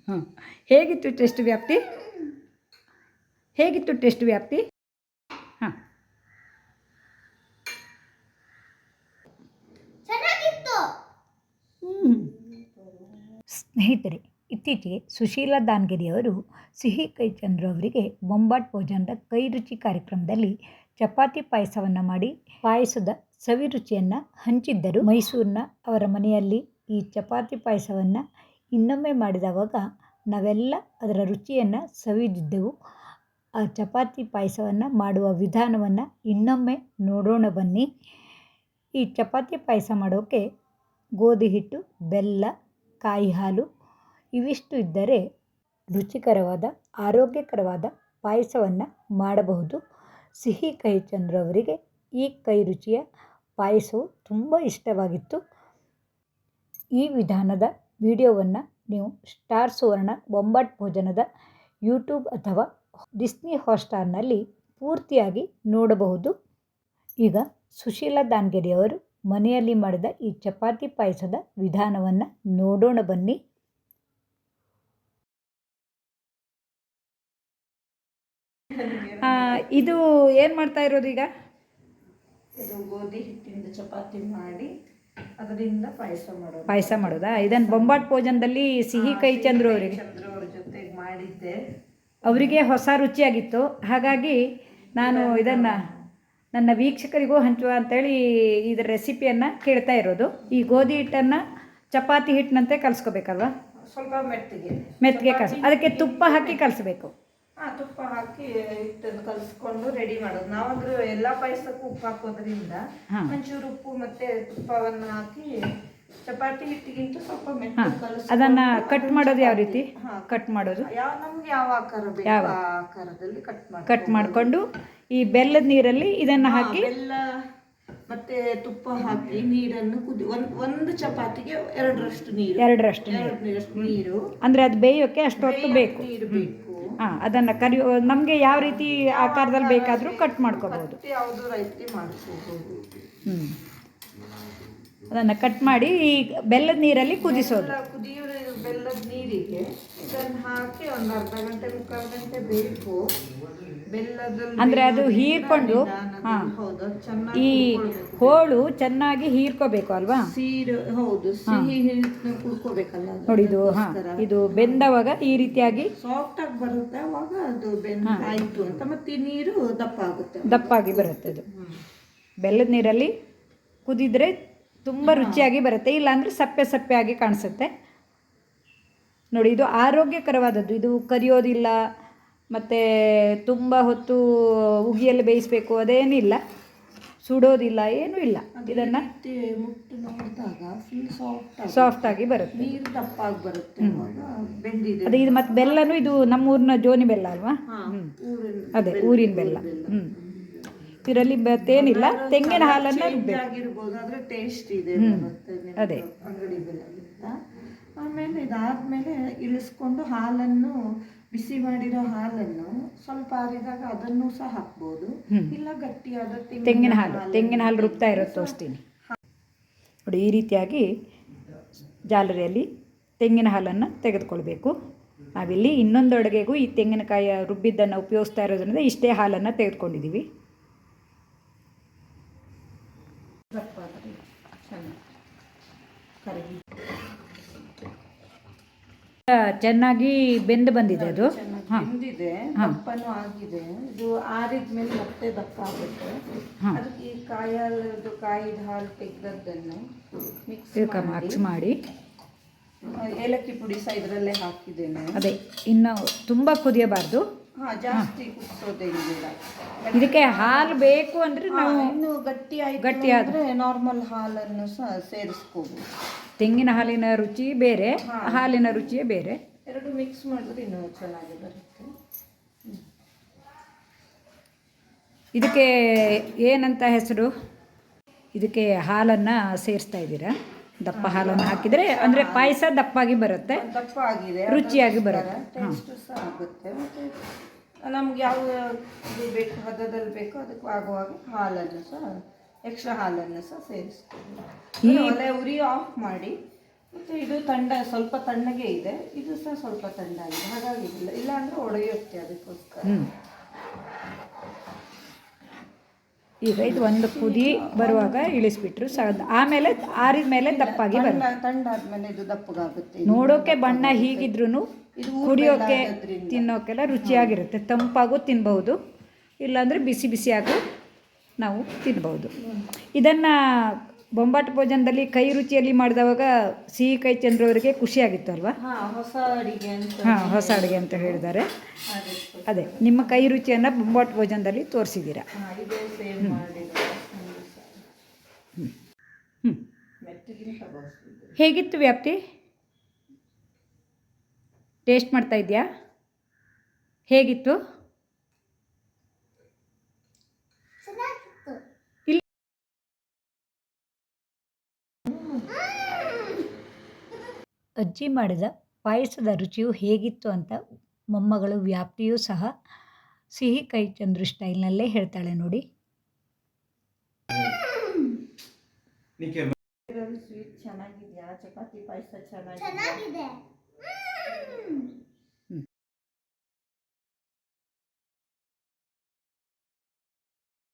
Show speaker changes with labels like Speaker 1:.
Speaker 1: ಹಾಂ, ಹೇಗಿತ್ತು ಟೆಸ್ಟ್ ವ್ಯಾಪ್ತಿ? ಹೇಗಿತ್ತು ಟೆಸ್ಟ್ ವ್ಯಾಪ್ತಿ? ಹಾಂ, ಸ್ನೇಹಿತರೆ, ಇತ್ತೀಚೆಗೆ ಸುಶೀಲಾ ದಾನ್ಗಿರಿಯವರು ಸಿಹಿ ಕೈ ಚಂದ್ರು ಅವರಿಗೆ ಬೊಂಬಾಟ್ ಭೋಜನದ ಕೈ ರುಚಿ ಕಾರ್ಯಕ್ರಮದಲ್ಲಿ ಚಪಾತಿ ಪಾಯಸವನ್ನು ಮಾಡಿ ಪಾಯಸದ ಸವಿ ರುಚಿಯನ್ನು ಹಂಚಿದ್ದರು. ಮೈಸೂರಿನ ಅವರ ಮನೆಯಲ್ಲಿ ಈ ಚಪಾತಿ ಪಾಯಸವನ್ನು ಇನ್ನೊಮ್ಮೆ ಮಾಡಿದವಾಗ ನಾವೆಲ್ಲ ಅದರ ರುಚಿಯನ್ನು ಸವಿದಿದ್ದೆವು. ಆ ಚಪಾತಿ ಪಾಯಸವನ್ನು ಮಾಡುವ ವಿಧಾನವನ್ನು ಇನ್ನೊಮ್ಮೆ ನೋಡೋಣ ಬನ್ನಿ. ಈ ಚಪಾತಿ ಪಾಯಸ ಮಾಡೋಕ್ಕೆ ಗೋಧಿ ಹಿಟ್ಟು, ಬೆಲ್ಲ, ಕಾಯಿ ಹಾಲು ಇವಿಷ್ಟು ಇದ್ದರೆ ರುಚಿಕರವಾದ ಆರೋಗ್ಯಕರವಾದ ಪಾಯಸವನ್ನು ಮಾಡಬಹುದು. ಸಿಹಿ ಕಹಿ ಚಂದ್ರು ಅವರಿಗೆ ಈ ಕೈ ರುಚಿಯ ಪಾಯಸವು ತುಂಬ ಇಷ್ಟವಾಗಿತ್ತು. ಈ ವಿಧಾನದ ವಿಡಿಯೋವನ್ನು ನೀವು ಸ್ಟಾರ್ ಸುವರ್ಣ ಬೊಂಬಾಟ್ ಭೋಜನದ ಯೂಟ್ಯೂಬ್ ಅಥವಾ ಡಿಸ್ನಿ ಹಾಟ್‌ಸ್ಟಾರ್ನಲ್ಲಿ ಪೂರ್ತಿಯಾಗಿ ನೋಡಬಹುದು. ಈಗ ಸುಶೀಲಾ ದಾನ್ಗಿರಿಯವರು ಮನೆಯಲ್ಲಿ ಮಾಡಿದ ಈ ಚಪಾತಿ ಪಾಯಸದ ವಿಧಾನವನ್ನು ನೋಡೋಣ ಬನ್ನಿ. ಇದು ಏನು ಮಾಡ್ತಾ ಇರೋದು ಈಗ?
Speaker 2: ಇದು ಗೋಧಿ ಹಿಟ್ಟಿಂದ ಚಪಾತಿ ಮಾಡಿ ಅದರಿಂದ ಪಾಯಸ
Speaker 1: ಮಾಡೋದಾ? ಇದನ್ನು ಬೊಂಬಾಟ್ ಭೋಜನದಲ್ಲಿ ಸಿಹಿ ಕೈ ಚಂದ್ರು ಅವರಿಗೆ
Speaker 2: ಅವ್ರ ಜೊತೆಗೆ ಮಾಡಿದ್ದೆ.
Speaker 1: ಅವರಿಗೆ ಹೊಸ ರುಚಿಯಾಗಿತ್ತು. ಹಾಗಾಗಿ ನಾನು ಇದನ್ನು ನನ್ನ ವೀಕ್ಷಕರಿಗೂ ಹಂಚುವ ಅಂತೇಳಿ ಇದರ ರೆಸಿಪಿಯನ್ನು ಕೇಳ್ತಾ ಇರೋದು. ಈ ಗೋಧಿ ಹಿಟ್ಟನ್ನು ಚಪಾತಿ ಹಿಟ್ಟಿನಂತೆ ಕಲಿಸ್ಕೋಬೇಕಲ್ವ?
Speaker 2: ಸ್ವಲ್ಪ
Speaker 1: ಮೆತ್ತಗೆ ಅದಕ್ಕೆ ತುಪ್ಪ ಹಾಕಿ ಕಲಿಸ್ಬೇಕು.
Speaker 2: ತುಪ್ಪ ಹಾಕಿ ಹಿಟ್ಟನ್ನು ಕಲಿಸ್ಕೊಂಡು ರೆಡಿ ಮಾಡೋದು. ನಾವಂದ್ರೆ ಎಲ್ಲ ಪಾಯಸಕ್ಕೂ ಉಪ್ಪು ಹಾಕೋದ್ರಿಂದ ಒಂಚೂರು ಉಪ್ಪು ಮತ್ತೆ ತುಪ್ಪವನ್ನು ಹಾಕಿ ಚಪಾತಿ ಹಿಟ್ಟಿಗಿಂತ ಸ್ವಲ್ಪ ಮೆತ್ತಗೆ ಕಲಿಸಿ
Speaker 1: ಅದನ್ನು ಕಟ್ ಮಾಡೋದು ಯಾವ ರೀತಿ ಕಟ್ ಮಾಡೋದು?
Speaker 2: ನಮ್ಗೆ ಯಾವ ಆಕಾರ ಬೇಕು ಆ ಆಕಾರದಲ್ಲಿ
Speaker 1: ಕಟ್ ಮಾಡಿಕೊಂಡು ಈ ಬೆಲ್ಲದ ನೀರಲ್ಲಿ ಇದನ್ನು ಹಾಕಿ
Speaker 2: ಬೆಲ್ಲ ಮತ್ತೆ ತುಪ್ಪ ಹಾಕಿ ನೀರನ್ನು ಒಂದು ಚಪಾತಿಗೆ ಎರಡರಷ್ಟು ನೀರು
Speaker 1: ಅಂದರೆ ಅದು ಬೇಯೋಕ್ಕೆ ಅಷ್ಟೊತ್ತು ಬೇಕು. ಅದನ್ನು ನಮಗೆ ಯಾವ ರೀತಿ ಆಕಾರದಲ್ಲಿ ಬೇಕಾದರೂ ಕಟ್ ಮಾಡ್ಕೋಬಹುದು.
Speaker 2: ಯಾವುದು ರೈತಿ ಮಾಡಿಸ್ಕೋಬಹುದು.
Speaker 1: ಅದನ್ನು ಕಟ್ ಮಾಡಿ ಈ ಬೆಲ್ಲದ ನೀರಲ್ಲಿ ಕುದಿಸೋದು.
Speaker 2: ಕುದಿಯೋ ಬೆಲ್ಲದ ನೀರಿಗೆ ಇದನ್ನು ಹಾಕಿ ಒಂದು ಅರ್ಧ ಗಂಟೆ ಮುಕ್ಕಾಲು ಗಂಟೆ ಬೇಕು. ಬೆಲ್ಲದಲ್ಲಿ
Speaker 1: ಅಂದರೆ ಅದು ಹೀರ್ಕೊಂಡು ಈ ಹೋಳು ಚೆನ್ನಾಗಿ ಹೀರ್ಕೋಬೇಕು ಅಲ್ವಾ?
Speaker 2: ಹೌದು, ಸಿಹಿ ಕುಡ್ಕೋಬೇಕಲ್ಲ
Speaker 1: ನೋಡಿ. ಇದು ಬೆಂದವಾಗ ಈ ರೀತಿಯಾಗಿ
Speaker 2: ಸಾಫ್ಟ್ ಆಗಿ ಬರುತ್ತೆ. ಅವಾಗ ಅದು ಆಯ್ತು ಅಂತ ಮತ್ತೆ ನೀರು
Speaker 1: ದಪ್ಪಾಗಿ ಬರುತ್ತೆ. ಅದು ಬೆಲ್ಲದ ನೀರಲ್ಲಿ ಕುದಿದ್ರೆ ತುಂಬ ರುಚಿಯಾಗಿ ಬರುತ್ತೆ. ಇಲ್ಲಾಂದರೆ ಸಪ್ಪೆ ಸಪ್ಪೆ ಆಗಿ ಕಾಣಿಸುತ್ತೆ. ನೋಡಿ, ಇದು ಆರೋಗ್ಯಕರವಾದದ್ದು. ಇದು ಕರಿಯೋದಿಲ್ಲ ಮತ್ತು ತುಂಬ ಹೊತ್ತು ಉಗಿಯಲ್ಲಿ ಬೇಯಿಸಬೇಕು ಅದೇನಿಲ್ಲ, ಸುಡೋದಿಲ್ಲ, ಏನೂ ಇಲ್ಲ. ಇದನ್ನು
Speaker 2: ಮುಟ್ಟು ನೋಡಿದಾಗ ಫುಲ್
Speaker 1: ಸಾಫ್ಟ್ ಆಗಿ ಬರುತ್ತೆ,
Speaker 2: ನೀರು ದಪ್ಪಾಗಿ ಬರುತ್ತೆ.
Speaker 1: ಅದೇ ಇದು ಮತ್ತು ಬೆಲ್ಲನೂ ಇದು ನಮ್ಮೂರಿನ ಜೋನಿ ಬೆಲ್ಲ ಅಲ್ವಾ? ಅದೇ ಊರಿನ ಬೆಲ್ಲ. ಇದರಲ್ಲಿ ಮತ್ತೇನಿಲ್ಲ, ತೆಂಗಿನ ಹಾಲನ್ನು
Speaker 2: ಆಗಿರ್ಬೋದು, ಟೇಸ್ಟ್ ಇದೆ.
Speaker 1: ಅದೇ
Speaker 2: ಅಂಗಡಿ ಬೆಲ್ಲ. ಆಮೇಲೆ ಇದಾದ್ಮೇಲೆ ಇಳಿಸ್ಕೊಂಡು ಹಾಲನ್ನು ಬಿಸಿ ಮಾಡಿರೋ ಹಾಲನ್ನು ಸ್ವಲ್ಪ ಆರಿದಾಗ ಅದನ್ನು ಸಹ ಹಾಕ್ಬೋದು. ಇಲ್ಲ ಗಟ್ಟಿಯಾದ
Speaker 1: ತೆಂಗಿನ ಹಾಲು ರುಬ್ತಾ ಇರೋದು ತೋರಿಸ್ತೀನಿ ನೋಡಿ. ಈ ರೀತಿಯಾಗಿ ಜಾಲರಿಯಲ್ಲಿ ತೆಂಗಿನ ಹಾಲನ್ನು ತೆಗೆದುಕೊಳ್ಬೇಕು. ನಾವಿಲ್ಲಿ ಇನ್ನೊಂದು ಅಡುಗೆಗೂ ಈ ತೆಂಗಿನಕಾಯಿ ರುಬ್ಬಿದ್ದನ್ನು ಉಪಯೋಗಿಸ್ತಾ ಇರೋದ್ರಿಂದ ಇಷ್ಟೇ ಹಾಲನ್ನು ತೆಗೆದುಕೊಂಡಿದ್ದೀವಿ. ಚೆನ್ನಾಗಿ ಬೆಂದು ಬಂದಿದೆ. ಅದು
Speaker 2: ಬೆಂದಿದೆ, ದಪ್ಪನೂ ಆಗಿದೆ. ಇದು ಆರಿದ್ಮೇಲೆ ಮತ್ತೆ ದಪ್ಪ ಆಗುತ್ತೆ. ಅದಕ್ಕೆ ಈ ಕಾಯಿದ ಹಾಲು ತೆಗೆದದ್ದನ್ನು ಮಿಕ್ಸ್ ಮಾಡಿ ಏಲಕ್ಕಿ ಪುಡಿ ಸಹ ಇದರಲ್ಲೇ ಹಾಕಿದ್ದೇನೆ.
Speaker 1: ಅದೇ ಇನ್ನು ತುಂಬ ಕುದಿಯಬಾರ್ದು,
Speaker 2: ಜಾಸ್ತಿ ಕುದಿಸೋದೇನಿಲ್ಲ.
Speaker 1: ಇದಕ್ಕೆ ಹಾಲು ಬೇಕು ಅಂದರೆ ನಾವು
Speaker 2: ಇನ್ನು ಗಟ್ಟಿಯಾದರೆ ನಾರ್ಮಲ್ ಹಾಲನ್ನು ಸಹ ಸೇರಿಸ್ಕೋಬಹುದು.
Speaker 1: ತೆಂಗಿನ ಹಾಲಿನ ರುಚಿ ಬೇರೆ, ಹಾಲಿನ ರುಚಿಯೇ ಬೇರೆ.
Speaker 2: ಎರಡು ಮಿಕ್ಸ್ ಮಾಡಿದ್ರೆ ಇನ್ನೂ ಚೆನ್ನಾಗಿ ಬರುತ್ತೆ.
Speaker 1: ಇದಕ್ಕೆ ಏನಂತ ಹೆಸರು? ಇದಕ್ಕೆ ಹಾಲನ್ನು ಸೇರಿಸ್ತಾ ಇದ್ದೀರಾ? ದಪ್ಪ ಹಾಲನ್ನು ಹಾಕಿದರೆ ಅಂದರೆ ಪಾಯಸ ದಪ್ಪಾಗಿ ಬರುತ್ತೆ,
Speaker 2: ದಪ್ಪ ಆಗಿದೆ,
Speaker 1: ರುಚಿಯಾಗಿ ಬರುತ್ತೆ,
Speaker 2: ಟೇಸ್ಟ್ ಸಹ ಆಗುತ್ತೆ. ಮತ್ತು ನಮ್ಗೆ ಯಾವ ಬೇಕು ಹದದಲ್ಲಿ ಬೇಕೋ ಅದಕ್ಕೆ ಆಗುವಾಗ ಹಾಲನ್ನು ಸಹ ಎಕ್ಸ್ಟ್ರಾ ಹಾಲನ್ನು ಸಹ ಸೇರಿಸ್ಕೊಂಡು ಒಲೆ ಉರಿ ಆಫ್ ಮಾಡಿ ಮತ್ತು ಇದು ಸ್ವಲ್ಪ ತಣ್ಣಗೆ ಇದೆ, ಇದು ಸಹ ಸ್ವಲ್ಪ ತಣ್ಣಾಗಿದೆ, ಹಾಗಾಗಿ ಇಲ್ಲ ಅಂದರೆ ಒಡೆಯುತ್ತೆ, ಅದಕ್ಕೋಸ್ಕರ.
Speaker 1: ಈಗ ಇದು ಒಂದು ಕುದಿ ಬರುವಾಗ ಇಳಿಸ್ಬಿಟ್ರು ಆಮೇಲೆ ಆರಿದ ಮೇಲೆ ದಪ್ಪಾಗಿ ಬರುತ್ತೆ.
Speaker 2: ತಣ್ಣಾದ್ಮೇಲೆ ಇದು ದಪ್ಪಗಾಗುತ್ತೆ.
Speaker 1: ನೋಡೋಕೆ ಬಣ್ಣ ಹೀಗಿದ್ರೂ
Speaker 2: ಇದು
Speaker 1: ಕುಡಿಯೋಕೆ ತಿನ್ನೋಕೆಲ್ಲ ರುಚಿಯಾಗಿರುತ್ತೆ. ತಂಪಾಗೂ ತಿನ್ಬಹುದು, ಇಲ್ಲಾಂದರೆ ಬಿಸಿ ಬಿಸಿಯಾಗೂ ನಾವು ತಿನ್ಬಹುದು. ಇದನ್ನು ಬೊಂಬಾಟ್ ಭೋಜನದಲ್ಲಿ ಕೈ ರುಚಿಯಲ್ಲಿ ಮಾಡಿದವಾಗ ಸಿಹಿ ಕೈ ಚಂದ್ರವರಿಗೆ ಖುಷಿಯಾಗಿತ್ತು ಅಲ್ವಾ?
Speaker 2: ಹೊಸ ಅಡಿಗೆ ಅಂತ.
Speaker 1: ಹೊಸ ಅಡುಗೆ ಅಂತ ಹೇಳಿದ್ದಾರೆ. ಅದೇ ನಿಮ್ಮ ಕೈ ರುಚಿಯನ್ನು ಬೊಂಬಾಟ್ ಭೋಜನದಲ್ಲಿ ತೋರಿಸಿದ್ದೀರಾ. ಹೇಗಿತ್ತು ವ್ಯಾಪ್ತಿ? ಟೇಸ್ಟ್ ಮಾಡ್ತಾ ಇದೆಯಾ? ಹೇಗಿತ್ತು? ಅಜ್ಜಿ ಮಾಡಿದ ಪಾಯಸದ ರುಚಿಯು ಹೇಗಿತ್ತು ಅಂತ ಮೊಮ್ಮಗಳು ವ್ಯಾಪ್ತಿಯೂ ಸಹ ಸಿಹಿ ಕೈ ಚಂದ್ರು ಸ್ಟೈಲ್ನಲ್ಲೇ ಹೇಳ್ತಾಳೆ ನೋಡಿ.
Speaker 2: ಸ್ವೀಟ್ ಚೆನ್ನಾಗಿದೆಯಾ? ಚಪಾತಿ ಪಾಯಸ ಚೆನ್ನಾಗಿದೆ.